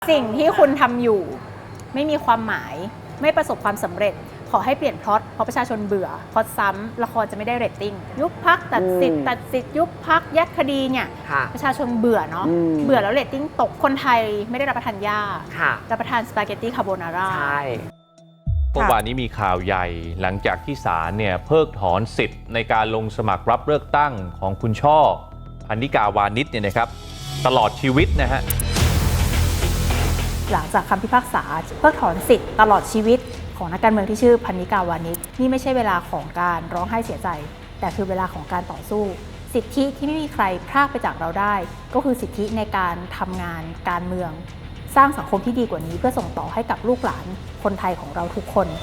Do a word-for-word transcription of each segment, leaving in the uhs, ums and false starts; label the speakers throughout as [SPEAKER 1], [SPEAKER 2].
[SPEAKER 1] สิ่งที่คุณทำอยู่ไม่มีความหมายไม่ประสบความสำเร็จขอให้เปลี่ยนพล็อตเพราะประชาชนเบื่อพล็อตซ้ำละครจะไม่ได้เรตติ้งยุบพักตัดสิทธิ์ตัดสิทธิ์ยุบพักยัดคดีเนี่ยประชาชนเบื่อเนาะเบื่อแล้วเรตติ้งตกคนไทยไม่ได้รับประทานหญ้ารับประทานสปาเกตตี้คาโบนาร่า
[SPEAKER 2] ใช่
[SPEAKER 3] เมื่อวานนี้มีข่าวใหญ่หลังจากที่ศาลเนี่ยเพิกถอนสิทธิ์ในการลงสมัครรับเลือกตั้งของคุณช่อพนิกาวานิชเนี่ยนะครับตลอดชีวิตนะฮะ
[SPEAKER 1] หลังจากคำพิพากษาเพิกถอนสิทธิ์ตลอดชีวิตของนักการเมืองที่ชื่อพนิกาวานิชนี่ไม่ใช่เวลาของการร้องไห้เสียใจแต่คือเวลาของการต่อสู้สิทธิที่ไม่มีใครพรากไปจากเราได้ก็คือสิทธิในการทำงานการเมืองสร้างสังคมที่ดีกว่านี้เพื่อส่งต่อให้กับลูกหลานคนไทยของเราทุกคน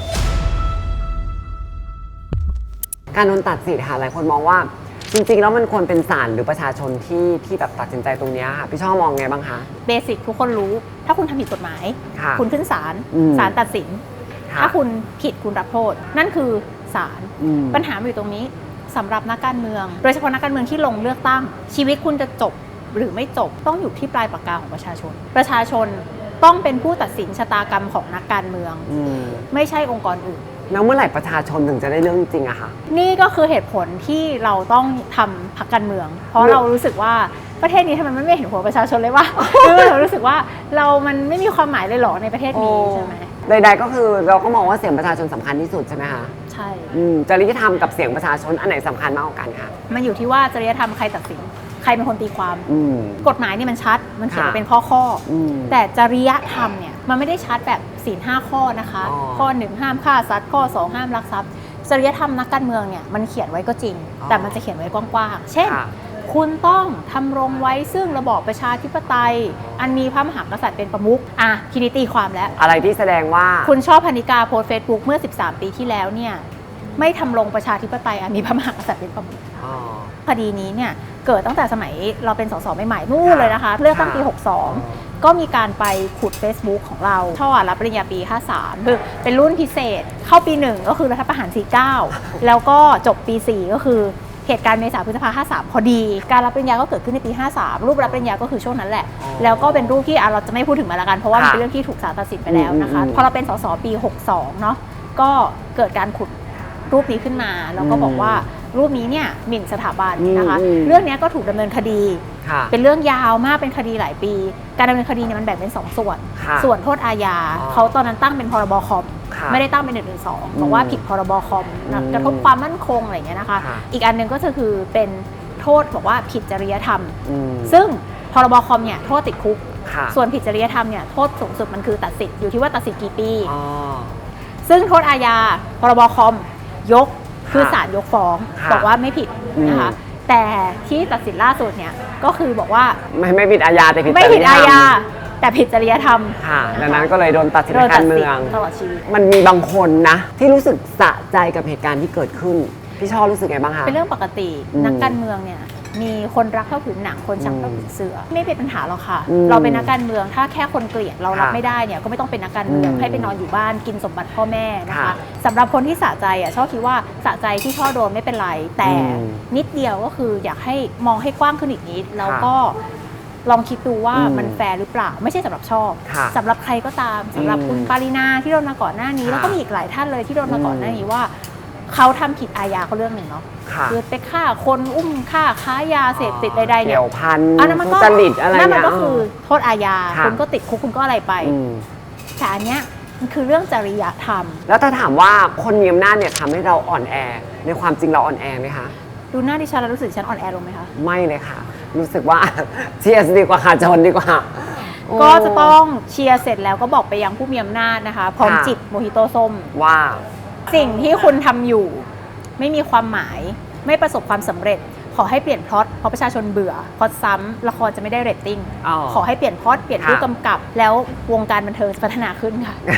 [SPEAKER 2] การโดนตัดสิทธิ์ค่ะหลายคนมองว่าจริงๆแล้วมันควรเป็นศาลหรือประชาชนที่ที่แบบตัดสินใจตรงนี้ค่ะพี่ช่อมองไงบ้างคะ
[SPEAKER 1] เบสิกทุกคนรู้ถ้าคุณทำผิดกฎหมายคุณขึ้นศาลศาลตัดสินถ้าคุณผิดคุณรับโทษนั่นคือศาลปัญหาอยู่ตรงนี้สำหรับนักการเมืองโดยเฉพาะนักการเมืองที่ลงเลือกตั้งชีวิตคุณจะจบหรือไม่จบต้องอยู่ที่ปลายปากกาของประชาชนประชาชนต้องเป็นผู้ตัดสินชะตากรรมของนักการเมืองไม่ใช่องค์กรอื่น
[SPEAKER 2] แล้วเมื่อไหร่ประชาชนถึงจะได้เรื่องจริงอะคะ
[SPEAKER 1] นี่ก็คือเหตุผลที่เราต้องทำพรรคการเมือง เพราะเรารู้สึกว่าประเทศนี้ทำไมมันไม่เห็นหัวประชาชนเลยวะคือเรารู้สึกว่าเรามันไม่มีความหมายเลยหรอในประเทศนี้ใช่ไหม
[SPEAKER 2] ใดๆก็คือเราก็มองว่าเสียงประชาชนสำคัญที่สุดใช่ไหมคะ
[SPEAKER 1] ใช่
[SPEAKER 2] จริยธรรมกับเสียงประชาชนอันไหนสำคัญมากกว่ากันคะ
[SPEAKER 1] มันอยู่ที่ว่าจริยธรรมใครตัดสินใครเป็นคนตีความกฎหมายนี่มันชัดมันเขียนเป็นข้อข้อแต่จริยธรรมเนี่ยมันไม่ได้ชัดแบบศีลห้าข้อนะคะข้อหนึ่งห้ามฆ่าสัตว์ข้อสองห้ามลักทรัพย์จริยธรรมนักการเมืองเนี่ยมันเขียนไว้ก็จริงแต่มันจะเขียนไว้กว้างๆเช่นคุณต้องทำรงไว้ซึ่งระบอบประชาธิปไตยอันมีพระมหากษัตริย์เป็นประมุขอ่ะทีนี้ตีความแล้ว
[SPEAKER 2] อะไรที่แสดงว่า
[SPEAKER 1] คุณชอบพนิกาโพสเฟซบุ๊กเมื่อสิบสามปีที่แล้วเนี่ยไม่ทำรงประชาธิปไตยอันมีพระมหากษัตริย์เป็นประมุขคดีนี้เนี่ยเกิดตั้งแต่สมัยเราเป็นสสใหม่ๆนู่นเลยนะคะเลือกตั้งปีหกสองก็มีการไปขุด Facebook ของเราช่อรับปริญญาปีห้าสามคือเป็นรุ่นพิเศษเข้าปีหนึ่งก็คือรัฐประหารสี่สิบเก้าแล้วก็จบปีสี่ก็คือเหตุการณ์เมษาพฤษภาห้าสามพอดีการรับปริญญาก็เกิดขึ้นในปีห้าสามรูปรับปริญญาก็คือช่วงนั้นแหละแล้วก็เป็นรูปที่เราจะไม่พูดถึงมาละกันเพราะว่ามันเป็นเรื่องที่ถูกศาลตัดสินไปแล้วนะคะพอเราเป็นสสปีหกสองเนาะก็เกิดการขุดรูปนี้ขึ้นมาแล้วก็บอกว่ารูปนี้เนี่ยหมิ่นสถาบันนะคะเรื่องนี้ก็ถูกดำเนินคดีเป็นเรื่องยาวมากเป็นคดีหลายปีการดำเนินคดีเนี่ยมันแบ่งเป็นสองส่วนส่วนโทษอาญาเขาตอนนั้นตั้งเป็นพรบคอมไม่ได้ตั้งเป็นหนึ่งหนึ่งสองบอกว่าผิดพรบคอมกระทบความมั่นคงอะไรอย่างเงี้ยนะคะอีกอันหนึ่งก็คือเป็นโทษบอกว่าผิดจริยธรรมซึ่งพรบคอมเนี่ยโทษติดคุกส่วนผิดจริยธรรมเนี่ยโทษสูงสุดมันคือตัดสิทธิ์อยู่ที่ว่าตัดสิทธิ์กี่ปีซึ่งโทษอาญาพรบคอมยกคือศาลยกฟ้องบอกว่าไม่ผิดนะคะแต่ที่ตัดสินล่าสุดเนี่ยก็คือบอกว่า
[SPEAKER 2] ไม่ไม่ผิดอาญาแต่ผิด
[SPEAKER 1] ไม่ผิดอาญาแต่ผิดจริยธรรม
[SPEAKER 2] ค่ะดังนั้นก็เลยโดนตัดสินการเมือง
[SPEAKER 1] ตลอดชีวิต
[SPEAKER 2] มันมีบางคนนะที่รู้สึกสะใจกับเหตุการณ์ที่เกิดขึ้นพี่ชอบรู้สึกไงบ้างคะ
[SPEAKER 1] เป็นเรื่องปกตินักการเมืองเนี่ยมีคนรักเท่าผืนหนังคนชังเท่าผืนเสือไม่เป็นปัญหาหรอกค่ะเราเป็นนักการเมืองถ้าแค่คนเกลียดเรารับไม่ได้เนี่ยก็ไม่ต้องเป็นนักการเมืองให้ไปนอนอยู่บ้านกินสมบัติพ่อแม่นะคะสำหรับคนที่สะใจอ่ะชอบคิดว่าสะใจที่ช่อโดนไม่เป็นไรแต่นิดเดียวก็คืออยากให้มองให้กว้างขึ้นอีกนิดแล้วก็ลองคิดดูว่ามันแฟร์หรือเปล่าไม่ใช่สำหรับชอบสำหรับใครก็ตามสำหรับคุณปารินาที่โดนมาก่อนหน้านี้แล้วก็มีอีกหลายท่านเลยที่โดนมาก่อนหน้านี้ว่าเขาทำผิดอาญาเขาเรื่องหนึ่งเนาะคือไปฆ่าคนอุ้มฆ่าค้ายาเสพติดใดๆเนี่ย
[SPEAKER 2] เกี่ยวพัน
[SPEAKER 1] อันนั้นมันก็
[SPEAKER 2] จริตอะไร
[SPEAKER 1] นั่นมันก็คือโทษอาญาคุณก็ติดคุกคุณก็อะไรไปแต่อันเนี้ยมันคือเรื่องจริยธรรม
[SPEAKER 2] แล้วถ้าถามว่าคนมีอำนาจเนี่ยทำให้เราอ่อนแอในความจริงเราอ่อนแอไหมคะ
[SPEAKER 1] ดูหน้าดิฉันแล้วรู้สึกฉันอ่อนแอลงไหมคะ
[SPEAKER 2] ไม่เลยค่ะรู้สึกว่าเชียร์ดีกว่าค่ะจนดีกว่า
[SPEAKER 1] ก็จะต้องเชียร์เสร็จแล้วก็บอกไปยังผู้มีอำนาจนะคะพร้อมจิบโมฮิโต้ส้ม
[SPEAKER 2] ว่า
[SPEAKER 1] สิ่งที่คุณทำอยู่ไม่มีความหมายไม่ประสบความสำเร็จขอให้เปลี่ยนพล็อตเพราะประชาชนเบื่อพล็อตซ้ำละครจะไม่ได้เรตติ้งขอให้เปลี่ยนพล็อตเปลี่ยนผู้กำกับแล้ววงการบันเทิงจะพัฒนาขึ้นค่ะ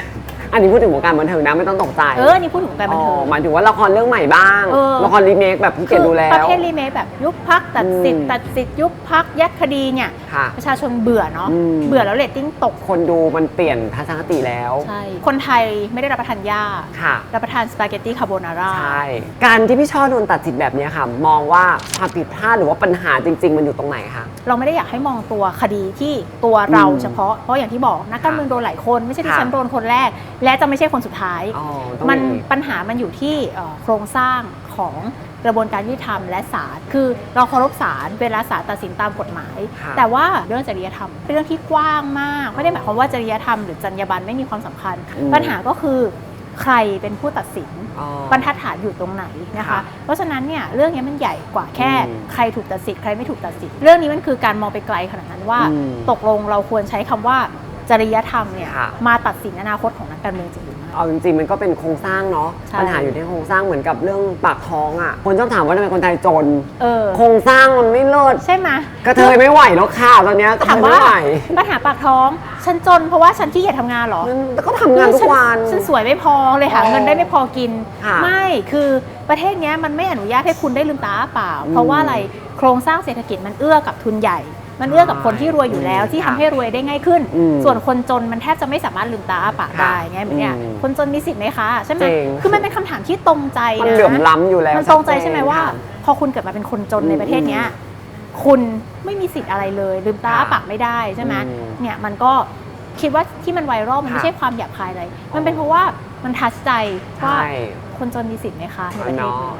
[SPEAKER 2] อันนี้พูดถึงวงการบันเทิงนะไม่ต้องตกใจ
[SPEAKER 1] เออนี่พูดถึงการบันเทิง
[SPEAKER 2] อ๋อหมายถึงว่าละครเรื่องใหม่บ้าง
[SPEAKER 1] เออ
[SPEAKER 2] ละครรีเมคแบบพี่เกดดูแล้
[SPEAKER 1] ประ
[SPEAKER 2] ว
[SPEAKER 1] เภทรีเมคแบบยุบพักตัดสิทธิ์
[SPEAKER 2] อืม
[SPEAKER 1] ตัดสิทธิ์ยุบพักยัดคดีเนี่ย
[SPEAKER 2] ค่ะ
[SPEAKER 1] ประชาชนเบื่อเนาะ
[SPEAKER 2] อืม
[SPEAKER 1] เบื่อแล้วเรตติ้งตก
[SPEAKER 2] คนดูมันเปลี่ยนทัศนคติแล้ว
[SPEAKER 1] ใช่คนไทยไม่ได้รับประทานหญ้า
[SPEAKER 2] ค่ะ
[SPEAKER 1] รับประทานสปาเกตตี้คาโบนาร่า
[SPEAKER 2] ใช่ การที่พี่ช่อโดนตัดสินแบบนี้ค่ะ มองว่าความผิดพลาดหรือว่าปัญหาจริง ๆ มันอยู่ตรงไหนคะ
[SPEAKER 1] เราไม่ได้อยากให้มองตัวคดีที่ตัวเรา
[SPEAKER 2] อืม
[SPEAKER 1] เฉพาะเพราะอย่างที่บอกนักการเมืองโดนหลายคนไม่ใช่ที่
[SPEAKER 2] ค่ะ
[SPEAKER 1] ฉันโดนคนแรก และจะไม่ใช่คนสุดท้าย
[SPEAKER 2] อ๋อต้อง
[SPEAKER 1] มัน
[SPEAKER 2] อย่างนี้
[SPEAKER 1] ปัญหามันอยู่ที่เอ่อโครงสร้างของกระบวนการยุติธรรมและศาลคือเราเคารพศาลเวลาศาลตัดสินตามกฎหมาย
[SPEAKER 2] ค่ะ
[SPEAKER 1] แต่ว่าเรื่องจริยธรรมเป็นเรื่องที่กว้างมากไม่ได้หมายความว่าจริยธรรมหรือจรรยาบรรณไม่มีความสำคัญ
[SPEAKER 2] อืม
[SPEAKER 1] ปัญหาก็คือใครเป็นผู้ตัดสิน
[SPEAKER 2] อ๋อบ
[SPEAKER 1] รรทัดฐานอยู่ตรงไหนนะคะ
[SPEAKER 2] ค่ะ
[SPEAKER 1] เพราะฉะนั้นเนี่ยเรื่องนี้มันใหญ่กว่าแค่
[SPEAKER 2] อืม
[SPEAKER 1] ใครถูกตัดสินใครไม่ถูกตัดสินเรื่องนี้มันคือการมองไปไกลขนาดนั้นว่า
[SPEAKER 2] อืม
[SPEAKER 1] ตกลงเราควรใช้คำว่าจริยธรรมเนี่ย
[SPEAKER 2] ค่ะ
[SPEAKER 1] มาตัดสินอนาคตของนักการเมืองจริงหรือไม่
[SPEAKER 2] เอาจริงๆมันก็เป็นโครงสร้างเนาะ
[SPEAKER 1] ใช่
[SPEAKER 2] ปัญหาอยู่ที่โครงสร้างเหมือนกับเรื่องปากท้องอ่ะคนชอบถามว่าทำไมคนไทยจน
[SPEAKER 1] เออ
[SPEAKER 2] โครงสร้างมันไม่เลิศ
[SPEAKER 1] ใช่ไหม
[SPEAKER 2] กระเทยไม่ไหวแล้วค่ะตอนเนี้ยกระเท
[SPEAKER 1] ถาม
[SPEAKER 2] ย
[SPEAKER 1] ว่า
[SPEAKER 2] ไม่ไหว
[SPEAKER 1] ปัญหาปากท้อง ฉันจนเพราะว่าฉันขี้เกียจทำงานเหรอ
[SPEAKER 2] แล้วก็ทำงานทุกวัน
[SPEAKER 1] ฉันสวยไม่พอเลยหา
[SPEAKER 2] อ๋อ
[SPEAKER 1] เงินได้ไม่พอกิน
[SPEAKER 2] ค่ะ
[SPEAKER 1] ไม่คือประเทศเนี้ยมันไม่อนุญาตให้คุณได้ลืมตาอ้าเปล่า
[SPEAKER 2] อืม
[SPEAKER 1] เพราะว่าอะไรโครงสร้างเศรษฐกิจมันเอื้อกับทุนใหญ่ มันเอื้อกับคนที่รวยอยู่แล้ว
[SPEAKER 2] อืม
[SPEAKER 1] ที่ทำให้รวยได้ง่ายขึ้น
[SPEAKER 2] อืม
[SPEAKER 1] ส่วนคนจนมันแทบจะไม่สามารถลืมตาอ้าปาก
[SPEAKER 2] ค่ะ
[SPEAKER 1] ได้ไงเนี่ย
[SPEAKER 2] อืม
[SPEAKER 1] คนจนมีสิทธิ์ไหมคะใช่ไหม
[SPEAKER 2] จริง
[SPEAKER 1] คือมันเป็นคำถามที่ตรงใจ
[SPEAKER 2] มัน
[SPEAKER 1] นะ
[SPEAKER 2] เหลื่อมล้ำอยู่แล้ว
[SPEAKER 1] มันตรงใจใช่ไหมว่า
[SPEAKER 2] ค่ะ
[SPEAKER 1] พอคุณเกิดมาเป็นคนจนใน
[SPEAKER 2] อืม
[SPEAKER 1] ประเทศเนี้ยคุณไม่มีสิทธิ์อะไรเลย ลืมตาอ้า
[SPEAKER 2] ค่ะ
[SPEAKER 1] ปากไม่ได้ใช่ไหม
[SPEAKER 2] อืม
[SPEAKER 1] เนี่ยมันก็คิดว่าที่มันไวรัลมันไม่
[SPEAKER 2] ค่ะ
[SPEAKER 1] ใช่ความหยาบคายอะไร มันเป็นเพราะว่ามันทัชใจว่า
[SPEAKER 2] ใช่
[SPEAKER 1] คนจนมีสิทธิ์ไหมคะในประเทศ
[SPEAKER 2] เนาะ
[SPEAKER 1] นี้